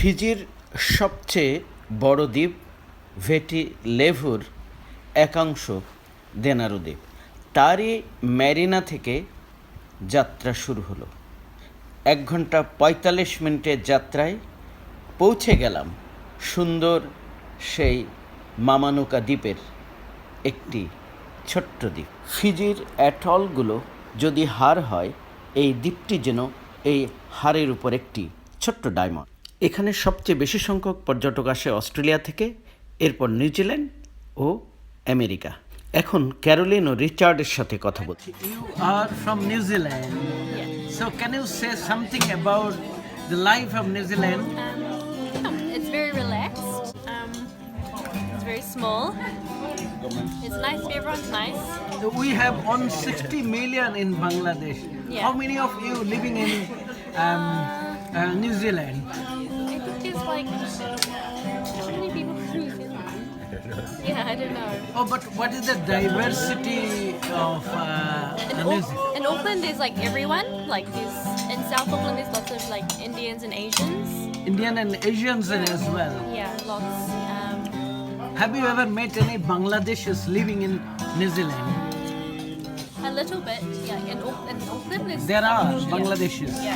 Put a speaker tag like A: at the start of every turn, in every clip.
A: ফিজির সবচেয়ে বড় দ্বীপ ভেটিলেভুর একাংশ দেনারু দ্বীপ। তারই ম্যারিনা থেকে যাত্রা শুরু হলো। 1 ঘন্টা 45 মিনিটের যাত্রায় পৌঁছে গেলাম সুন্দর সেই মামানুকা দ্বীপের একটি ছোট্ট দ্বীপ। ফিজির অ্যাটলগুলো যদি হার হয়, এই দ্বীপটি যেন এই হারের উপর একটি ছোট্ট ডায়মন্ড। এখানে সবচেয়ে বেশি সংখ্যক পর্যটক আসে অস্ট্রেলিয়া থেকে, এরপর নিউজিল্যান্ড ও আমেরিকা। এখন ক্যারোলিন ও রিচার্ডের সাথে কথা বলছি।
B: You are from New Zealand. So can you say something about the life of New Zealand?
C: It's very relaxed. It's very small. It's nice. Everyone's nice.
B: We have 160 million in Bangladesh.
C: Yeah.
B: How many of you living in New Zealand?
C: I think there's like how many people from New Zealand? Yeah, I don't know.
B: Oh, but what is the diversity of New Zealand?
C: In Auckland, there's like everyone. Like there's in South Auckland, there's lots of like Indians and Asians.
B: Indian and Asians as well.
C: Yeah, lots.
B: Have you ever met any Bangladeshis living in New Zealand?
C: A little bit. Yeah, in Auckland,
B: There are
C: yeah.
B: Bangladeshis.
C: Yeah.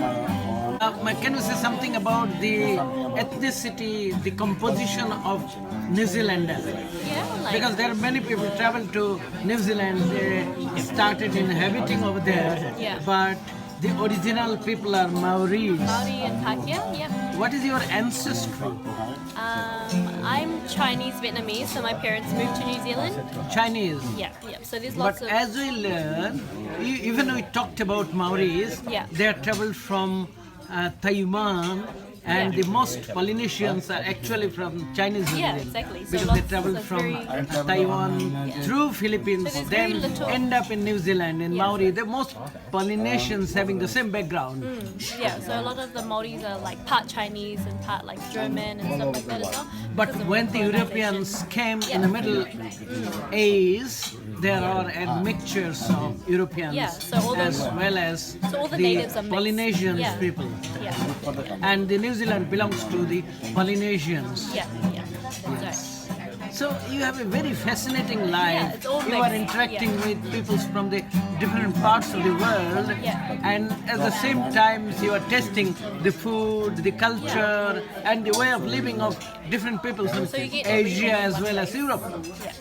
B: Can you say something about the ethnicity, the composition of New Zealanders?
C: Yeah, like
B: Because there are many people travel to New Zealand, they started inhabiting over there,
C: Yeah.
B: but the original people are Maoris.
C: Maori and Pakeha. Yeah.
B: What is your ancestry?
C: I'm Chinese Vietnamese, so my parents moved to New Zealand.
B: Chinese.
C: Yeah. So there's
B: But
C: lots of
B: as we learn, even we talked about Maoris,
C: Yeah.
B: they are traveled from Taiwan, and
C: Yeah.
B: the most Polynesians are actually from Chinese
C: Yeah,
B: origin.
C: exactly. So
B: Because they
C: lots
B: travel
C: of
B: from
C: very-
B: Taiwan through Philippines,
C: So there's
B: then
C: very little-
B: end up in New Zealand, in Maori. The most Polynesians having the same background.
C: Yeah, so a lot of the Maoris are like part Chinese and part like German and stuff like that as well.
B: But
C: because of
B: when the
C: colonization.
B: Europeans came in
C: Yeah.
B: the Middle Age, there are admixtures of Europeans
C: Yeah, so all
B: as
C: the-
B: well as
C: So all the natives are mixed.
B: Polynesian
C: Yeah.
B: people.
C: Yeah,
B: And the New Zealand belongs to the Polynesians.
C: yeah. That's right.
B: So you have a very fascinating life.
C: Yeah, it's all
B: you are
C: mixed,
B: interacting
C: yeah.
B: with people from the different parts of the world.
C: Yeah.
B: And at the same time, you are testing the food, the culture, and the way of living of different people from
C: So you get
B: Asia
C: everything in
B: as
C: one
B: well as
C: place.
B: Europe.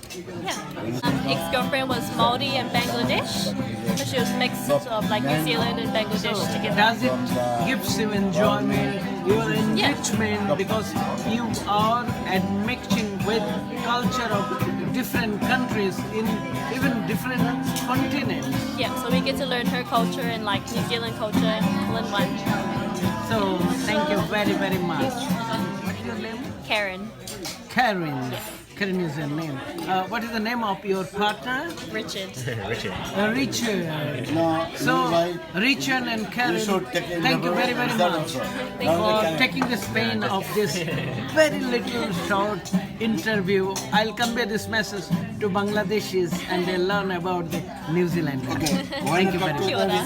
C: Yeah. Ex-girlfriend was Maori and Bangladesh, so she was mixed of like New Zealand and Bangladesh together.
B: Does it gives you enjoyment, your enrichment, because you are admixing with culture of different countries in even different continents.
C: Yeah, so we get to learn her culture and like New Zealand culture all in one.
B: So thank you very, very much. What is your name?
C: Karen,
B: Karen. Karen is your name. What is the name of your partner?
C: Richard.
B: Richard. So, Richard and Karen, thank you very, very much for taking this pain of this very little short interview. I'll convey this message to Bangladeshis and they'll learn about the New Zealand. Thank you very much.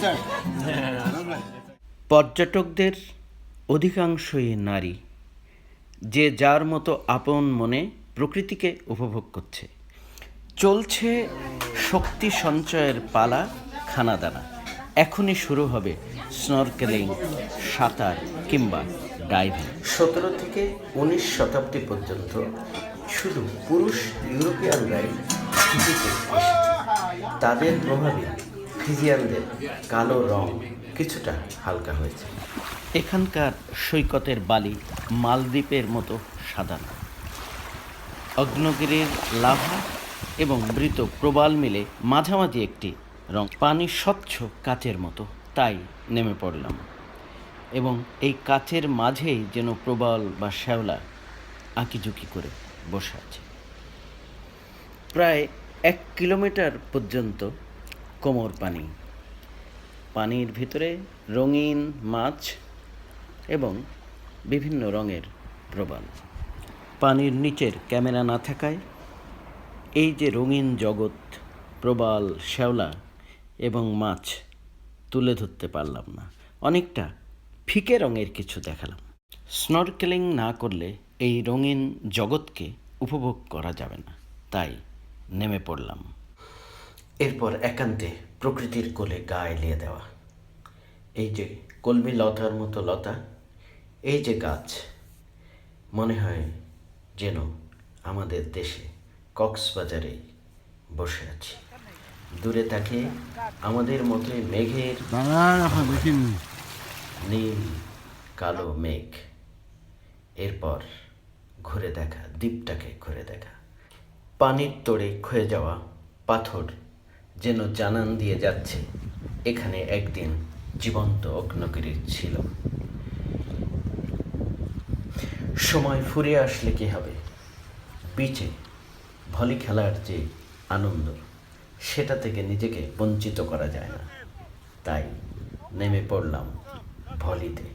A: পর্যটকদের অধিকাংশই নারী, যে যার মতো আপন মনে প্রকৃতিকে উপভোগ করছে। চলছে শক্তি সঞ্চয়ের পালা, খানাদানা। এখনই শুরু হবে স্নরকেলিং, সাঁতার কিংবা ডাইভিং। 17 থেকে 19 শতাব্দী পর্যন্ত শুধু পুরুষ ইউরোপিয়ানরাই ফিজিতে এসেছে। তাদের প্রভাবে ফিজিয়ানদের কালো রং কিছুটা হালকা হয়েছে। এখানকার সৈকতের বালি মালদ্বীপের মতো সাদা না। অগ্নগিরির লাভা এবং মৃত প্রবাল মিলে মাঝামাঝি একটি রং। পানি স্বচ্ছ কাচের মতো, তাই নেমে পড়লাম। এবং এই কাচের মাঝেই যেন প্রবাল বা শ্যাওলা আঁকিঝুঁকি করে বসে আছে। প্রায় 1 কিলোমিটার পর্যন্ত কোমর পানি। পানির ভিতরে রঙিন মাছ এবং বিভিন্ন রঙের প্রবাল। পানির নিচের ক্যামেরা না থাকায় এই যে রঙিন জগৎ, প্রবাল, শ্যাওলা এবং মাছ তুলে ধরতে পারলাম না। অনেকটা ফিকে রঙের কিছু দেখালাম। স্নরকেলিং না করলে এই রঙিন জগৎকে উপভোগ করা যাবে না, তাই নেমে পড়লাম। এরপর একান্তে প্রকৃতির কোলে গা এলিয়ে দেওয়া। এই যে কলমি লতার মতো লতা, এই যে গাছ, মনে হয় যেন আমাদের দেশে কক্সবাজারে বসে আছি। দূরে তাকিয়ে আমাদের মতোই মেঘের নীল কালো মেঘ। এরপর ঘুরে দেখা, দ্বীপটাকে ঘুরে দেখা। পানির তোড়ে ক্ষয়ে যাওয়া পাথর যেন জানান দিয়ে যাচ্ছে এখানে একদিন জীবন্ত অগ্নিগিরি ছিল। সময় ফুরিয়ে আসলে কি হবে? বিচে ভলি খেলার যে আনন্দ, সেটা থেকে নিজেকে বঞ্চিত করা যায় না, তাই নেমে পড়লাম ভলিতে।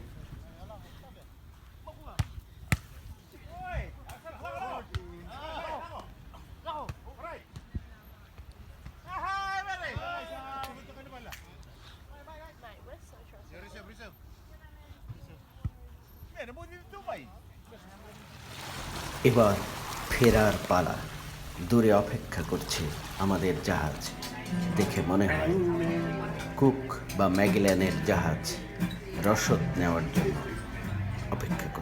A: এবার ফেরার পালা। দূরে অপেক্ষা করছে আমাদের জাহাজ। দেখে মনে হয় কুক বা ম্যাগেলানের জাহাজ রসদ নেওয়ার জন্য অপেক্ষা করছে।